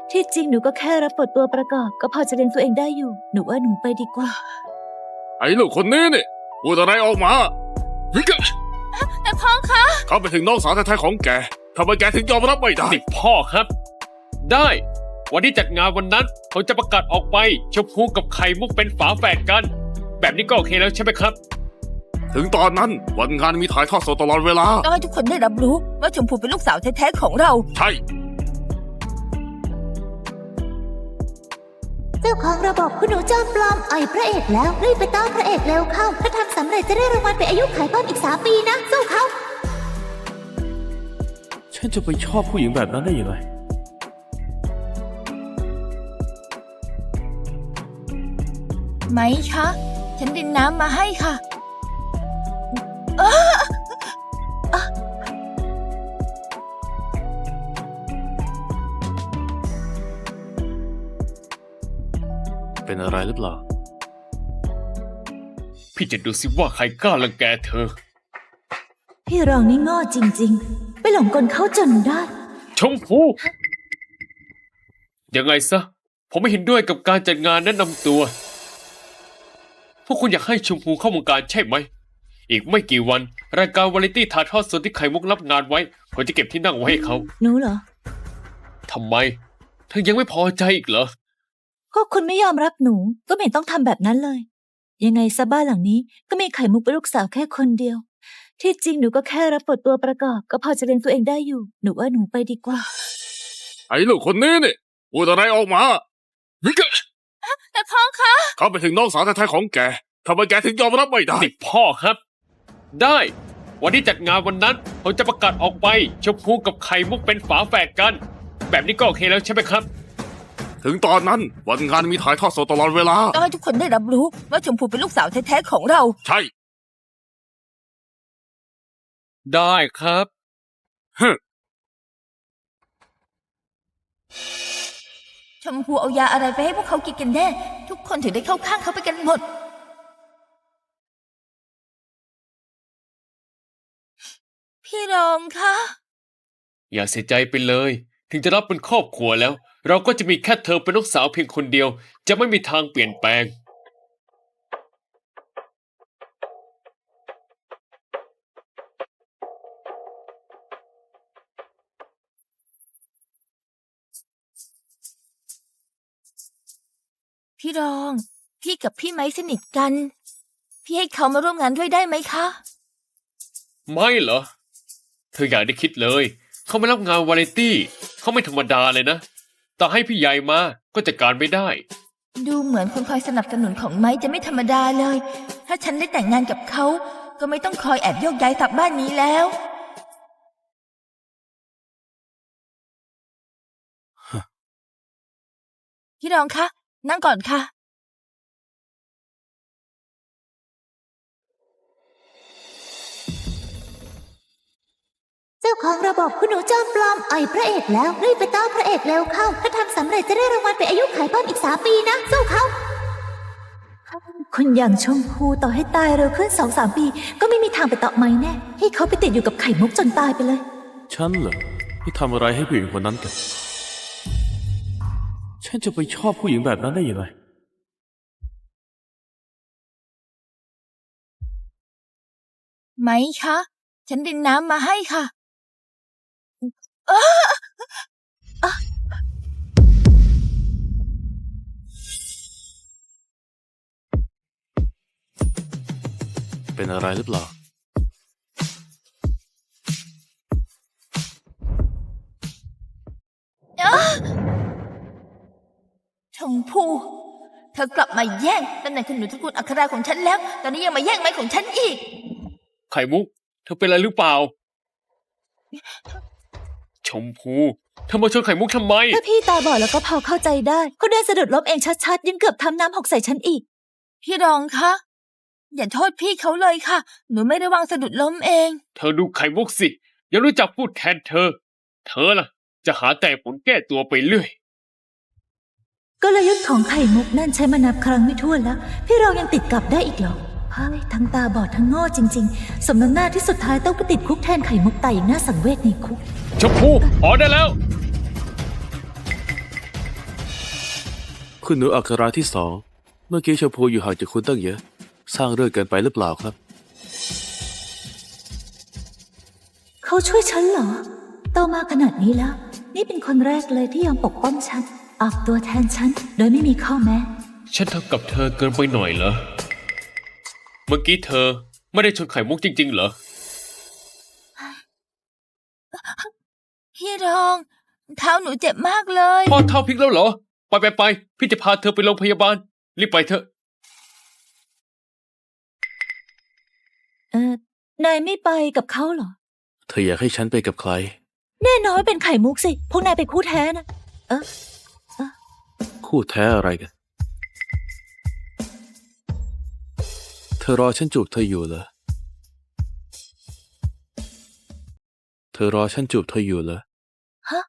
ที่จริงหนูก็แค่รับบทตัวประกอบก็พอจะเลี้ยงตัวเองได้อยู่หนูว่าหนูไปดีกว่าไอ้ลูกคนนี้นี่พูดอะไรออกมาแต่พ่อคะเขาไปถึงน้องสาวแท้ๆของแกทำไมแกถึงยอมรับไม่ได้ติดพ่อครับ ได้วันที่จัดงานวันนั้นผมจะประกาศออกไปชมพูกับไข่มุกเป็นฝาแฝดกัน แบบนี้ก็โอเคแล้วใช่ไหมครับถึงตอนนั้นวันงานมีถ่ายทอดสดตลอดเวลาต้องให้ทุกคนได้รับรู้ว่าชมพูเป็นลูกสาวแท้ๆของเราใช่เจ้าของระบบคุณหนูจอมปลอมอ่อยพระเอกแล้วรีบไปต้อนพระเอกเร็วเข้าถ้าทำสำเร็จจะได้รางวัลไปอายุขัยเพิ่มอีก3 ปีนะสู้เขาฉันจะไปชอบผู้หญิงแบบนั้นได้ยังไงไหมคะฉันดินน้ำมาให้ค่ะเป็นอะไรหรือเปล่าพี่จะดูสิว่าใครกล้ารังแกเธอพี่รองนี่โง่จริงๆไปหลงกลเขาจนได้ชมพูยังไงซะผมไม่เห็นด้วยกับการจัดงานแนะนำตัวพวกคุณอยากให้ชมพูเข้าวงการใช่ไหมอีกไม่กี่วันรายการวาไรตี้ถ่ายทอดสดที่ไข่มุกรับงานไว้ผมจะเก็บที่นั่งไว้ให้เขาหนูเหรอทำไมเธอยังไม่พอใจอีกเหรอก็คุณไม่ยอมรับหนูก็ไม่ต้องทำแบบนั้นเลยยังไงซะบ้านหลังนี้ก็มีไข่มุกเป็นลูกสาวแค่คนเดียวที่จริงหนูก็แค่รับบทตัวประกอบก็พอจะเลี้ยงตัวเองได้อยู่หนูว่าหนูไปดีกว่าไอ้ลูกคนนี้นี่พูดอะไรออกมาแต่พ่อคะเขาไปถึงน้องสาวแท้ๆของแกทำไมแกถึงยอมรับไม่ได้ติดพ่อครับได้วันที่จัดงานวันนั้นผมจะประกาศออกไปชมพูกับไข่มุกเป็นฝาแฝดกันแบบนี้ก็โอเคแล้วใช่ไหมครับถึงตอนนั้นวันงานมีถ่ายทอดสดตลอดเวลาต้องให้ทุกคนได้รับรู้ว่าชมพูเป็นลูกสาวแท้ๆของเราใช่ได้ครับชมพูเอายาอะไรไปให้พวกเขากินกันแน่ทุกคนถึงได้เข้าข้างเขาไปกันหมดพี่รองคะอย่าเสียใจไปเลยถึงจะรับเป็นครอบครัวแล้วเราก็จะมีแค่เธอเป็นลูกสาวเพียงคนเดียวจะไม่มีทางเปลี่ยนแปลงพี่รองพี่กับพี่ไม้สนิทกันพี่ให้เขามาร่วมงานด้วยได้ไหมคะไม่เหรอเธออยากได้คิดเลยเขาไม่รับงานวาไรตี้เขาไม่ธรรมดาเลยนะต่อให้พี่ใหญ่มาก็จัดการไม่ได้ดูเหมือนคนคอยสนับสนุนของไม้จะไม่ธรรมดาเลยถ้าฉันได้แต่งงานกับเขาก็ไม่ต้องคอยแอบโยกย้ายกลับบ้านนี้แล้วพี่รองคะนั่งก่อนค่ะเจ้าของระบบคุณหนูจอมปลอมอ่อยพระเอกแล้วรีบไปต้อนพระเอกเร็วเข้าถ้าทำสำเร็จจะได้รางวัลไปอายุขัยเพิ่มอีก3 ปีนะสู้เขาคุณอย่างชมพูต่อให้ตายเร็วขึ้น2-3 ปีก็ไม่มีทางไปเตาะไม้แน่ให้เขาไปติดอยู่กับไข่มุกจนตายไปเลยฉันเหรอที่ทำอะไรให้ผู้หญิงคนนั้นกันฉันจะไปชอบผู้หญิงแบบนั้นได้ยังไงไหมคะฉันดินน้ำมาให้ค่ะเป็นอะไรหรือเปล่าชมพูเธอกลับมาแย่งตำแหน่งคุณหนูตระกูลอัคราของฉันแล้วตอนนี้ยังมาแย่งไม้ของฉันอีกไข่มุกเธอเป็นอะไรหรือเปล่าชมพูเธอมาชนไข่มุกทำไมถ้าพี่ตาบอดแล้วก็พอเข้าใจได้เขาเดินสะดุดล้มเองชัดๆยังเกือบทำน้ำหกใส่ฉันอีกพี่รองคะอย่าโทษพี่เขาเลยค่ะหนูไม่ระวังสะดุดล้มเองเธอดูไข่มุกสิยังรู้จักพูดแทนเธอล่ะจะหาแต่ผลแก้ตัวไปเรื่อยกลยุทธ์ของไข่มุกนั่นใช้มานับครั้งไม่ถ้วนแล้วพี่เรายังติดกลับได้อีกเหรอเฮ้ยทั้งตาบอดทั้งโง่จริงๆสมน้ำหน้าที่สุดท้ายต้องไปติดคุกแทนไข่มุกตายอย่างน่าสังเวชในคุกชมพูพอได้แล้วคุณหนูอัคราที่สองเมื่อกี้ชมพูอยู่ห่างจากคุณตั้งเยอะ สร้างเรื่องเกินไปหรือเปล่าครับเขาช่วยฉันเหรอ โตมาขนาดนี้แล้ว นี่เป็นคนแรกเลยที่ยอมปกป้องฉัน ออกตัวแทนฉัน โดยไม่มีข้อแม้ฉันทำกับเธอเกินไปหน่อยเหรอ เมื่อกี้เธอไม่ได้ชนไข่มุกจริงๆเหรอพี่รอง เท้าหนูเจ็บมากเลยพ่อเท้าพลิกแล้วเหรอ ไป พี่จะพาเธอไปโรงพยาบาล รีบไปเถอะนายไม่ไปกับเขาเหรอเธออยากให้ฉันไปกับใครแน่นอนว่าเป็นไข่มุกสิ พวกนายเป็นคู่แท้นะคู่แท้อะไรกัน เธอรอฉันจูบเธออยู่เหรอ เธอรอฉันจูบเธออยู่เหรอฮะ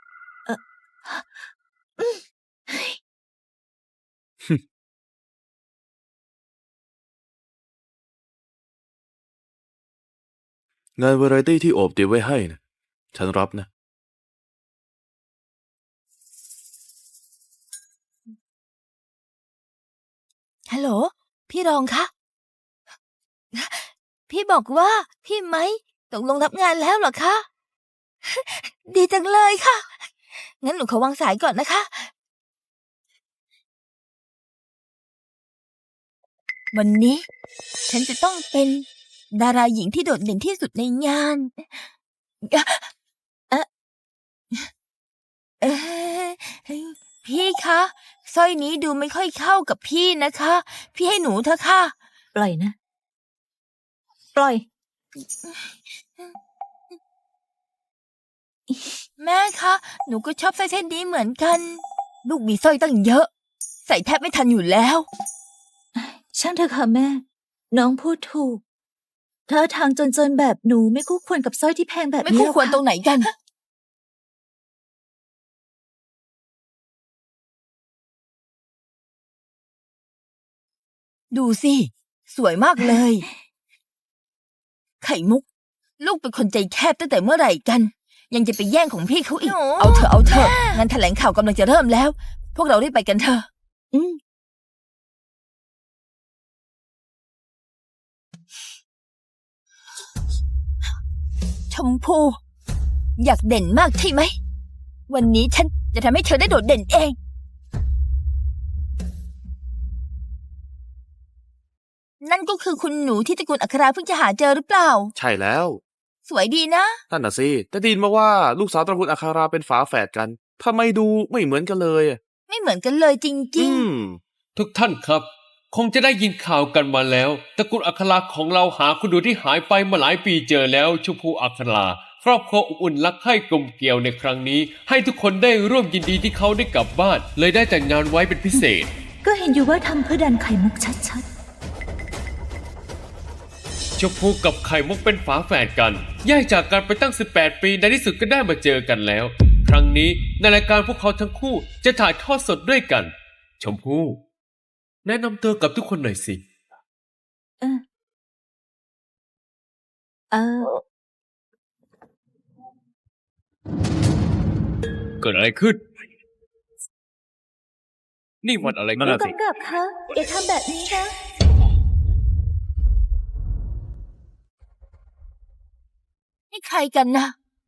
งานวาไรตี้ที่โอบเตรียมไว้ให้นะฉันรับนะฮัลโหล พี่รองคะ พี่บอกว่าพี่ไม้ตกลงรับงานแล้วเหรอคะ ดีจังเลยค่ะ งั้นหนูขอวางสายก่อนนะคะ วันนี้ ฉันจะต้องเป็นดาราหญิงที่โดดเด่นที่สุดในงานพี่คะสร้อยนี้ดูไม่ค่อยเข้ากับพี่นะคะ พี่ให้หนูเถอะค่ะปล่อยนะ ปล่อยแม่คะ หนูก็ชอบสร้อยเส้นนี้เหมือนกัน ลูกมีสร้อยตั้งเยอะ ใส่แทบไม่ทันอยู่แล้วช่างเถอะค่ะแม่ น้องพูดถูกเธอทางจนๆแบบหนูไม่คู่ควรกับสร้อยที่แพงแบบไม่นี้คู่หรอกควรค่ะตรงไหนกัน ดูสิ สวยมากเลย ไข่มุก ลูกเป็นคนใจแคบตั้งแต่เมื่อไหร่กัน ยังจะไปแย่งของพี่เขาอีก เอาเถอะงานแถลงข่าวกำลังจะเริ่มแล้ว พวกเรารีบไปกันเถอะอืมชมพู อยากเด่นมากใช่ไหม วันนี้ฉันจะทำให้เธอได้โดดเด่นเอง นั่นก็คือคุณหนูที่ตระกูลอัคราเพิ่งจะหาเจอหรือเปล่าใช่แล้วสวยดีนะนั่นน่ะสิแต่ไดยินมาว่าลูกสาวตระกูลอาคาราเป็นฝาแฝดกันทำไมดูไม่เหมือนกันเลยอะไม่เหมือนกันเลยจริงทุกท่านครับ คงจะได้ยินข่าวกันมาแล้วตระกูลอัคราของเราหาคุณดูที่หายไปมาหลายปีเจอแล้วชมพูอัคราครอบครัวอบอุ่นรักใคร่กลมเกลียวในครั้งนี้ ให้ทุกคนได้ร่วมยินดีที่เขาได้กลับบ้าน เลยได้แต่งงานไว้เป็นพิเศษก็เห็นอยู่ว่าทำเพื่อดันไข่มุกชัดชมพูกับไข่มุกเป็นฝาแฝดกันแยกจากกันไปตั้ง 18 ปีในที่สุดก็ได้มาเจอกันแล้ว ครั้งนี้ในรายการพวกเขาทั้งคู่จะถ่ายทอดสดด้วยกัน ชมพู่แนะนำตัวกับทุกคนหน่อยสิๆเกิดอะไรขึ้น นี่มันอะไรกันผู้กำกับคะอย่าทำแบบนี้นะๆ นี่ใครกันนะ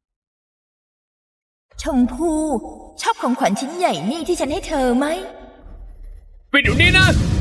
ชมพูชอบของขวัญชิ้นใหญ่นี่ที่ฉันให้เธอไหมปิดเดี๋ยวนี้นะ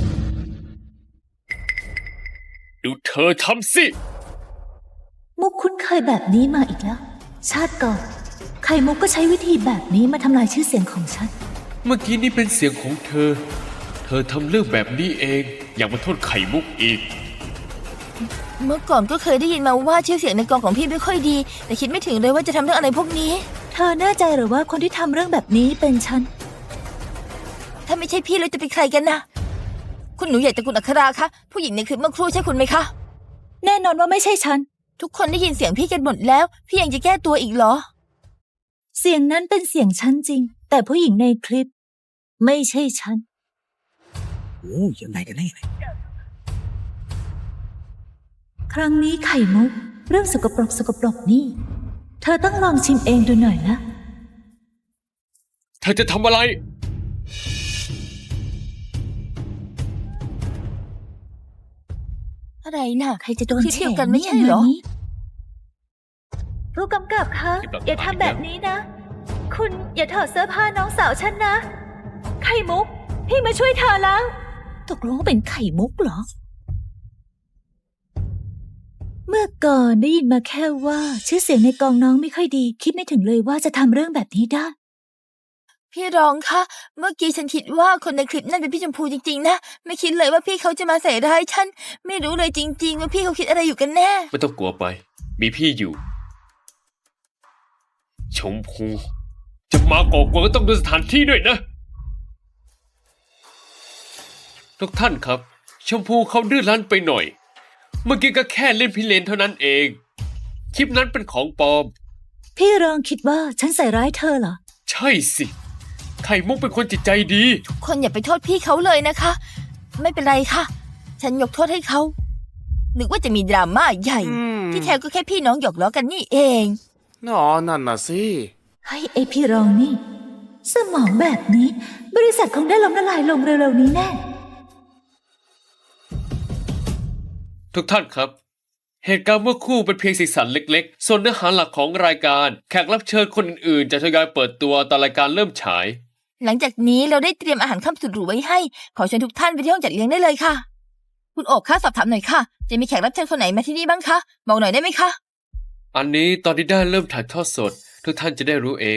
ดูเธอทำสิมุกคุ้นเคยแบบนี้มาอีกแล้ว ชาติก่อน ไข่มุกก็ใช้วิธีแบบนี้มาทำลายชื่อเสียงของฉันเมื่อกี้นี่เป็นเสียงของเธอ เธอทำเรื่องแบบนี้เอง อย่ามาโทษไข่มุกอีกเมื่อก่อนก็เคยได้ยินมาว่าชื่อเสียงในกองของพี่ไม่ค่อยดี แต่คิดไม่ถึงเลยว่าจะทำเรื่องอะไรพวกนี้เธอแน่ใจหรือว่าคนที่ทำเรื่องแบบนี้เป็นฉันถ้าไม่ใช่พี่แล้วจะเป็นใครกันนะ คุณหนูใหญ่ตระกูลอัคราคะ ผู้หญิงในคลิปเมื่อครู่ใช่คุณไหมคะแน่นอนว่าไม่ใช่ฉันทุกคนได้ยินเสียงพี่กันหมดแล้ว พี่ยังจะแก้ตัวอีกเหรอเสียงนั้นเป็นเสียงฉันจริง แต่ผู้หญิงในคลิป ไม่ใช่ฉันโอ้ยังไงกันแน่เนี่ยครั้งนี้ไข่มุก เรื่องสกปรกนี่ เธอต้องลองชิมเองดูหน่อยนะเธอจะทำอะไรอะไรน่ะใครจะโดนที่แฉเที่ยวกันไม่ใช่เหรองานนี้ผู้กำกับคะที่แบบอย่าทำแบบนี้นะ คุณอย่าถอดเสื้อผ้าน้องสาวฉันนะ ไข่มุก พี่มาช่วยเธอแล้ว ตกลงว่าเป็นไข่มุกเหรอ เมื่อก่อนได้ยินมาแค่ว่าชื่อเสียงในกองน้องไม่ค่อยดี คิดไม่ถึงเลยว่าจะทำเรื่องแบบนี้ได้พี่รองคะ เมื่อกี้ฉันคิดว่าคนในคลิปนั่นเป็นพี่ชมพูจริงๆนะ ไม่คิดเลยว่าพี่เขาจะมาใส่ร้ายฉัน ไม่รู้เลยจริง ๆ ว่าพี่เขาคิดอะไรอยู่กันแน่ไม่ต้องกลัวไป มีพี่อยู่ ชมพู จะมาก่อกวนก็ต้องดูสถานที่ด้วยนะ ทุกท่านครับ ชมพูเขาดื้อรั้นไปหน่อย เมื่อกี้ก็แค่เล่นพิเรนเท่านั้นเอง คลิปนั้นเป็นของปลอมพี่รองคิดว่าฉันใส่ร้ายเธอเหรอใช่สิ ไข่มุกเป็นคนจิตใจดีคนอย่าไปโทษพี่เขาเลยนะคะ ไม่เป็นไรค่ะ ฉันยกโทษให้เขา นึกว่าจะมีดราม่าใหญ่ ที่แท้ก็แค่พี่น้องหยอกล้อกันนี่เองอ๋อนั่นน่ะสิให้ไอพี่รองนี่ สมองแบบนี้ บริษัทคงได้ล้มละลายลงเร็วๆนี้แน่ทุกท่านครับ เหตุการณ์เมื่อครู่เป็นเพียงสีสันเล็กๆ ส่วนเนื้อหาหลักของรายการ แขกรับเชิญคนอื่นๆ จะทยอยเปิดตัวตอนรายการเริ่มฉายหลังจากนี้เราได้เตรียมอาหารค่ำสุดหรูไว้ให้ ขอเชิญทุกท่านไปที่ห้องจัดเลี้ยงได้เลยค่ะ คุณโอบคะสอบถามหน่อยค่ะ จะมีแขกรับเชิญคนไหนมาที่นี่บ้างคะ บอกหน่อยได้ไหมคะอันนี้ตอนที่ได้เริ่มถ่ายทอดสด ทุกท่านจะได้รู้เอง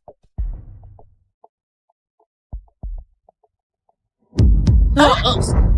เ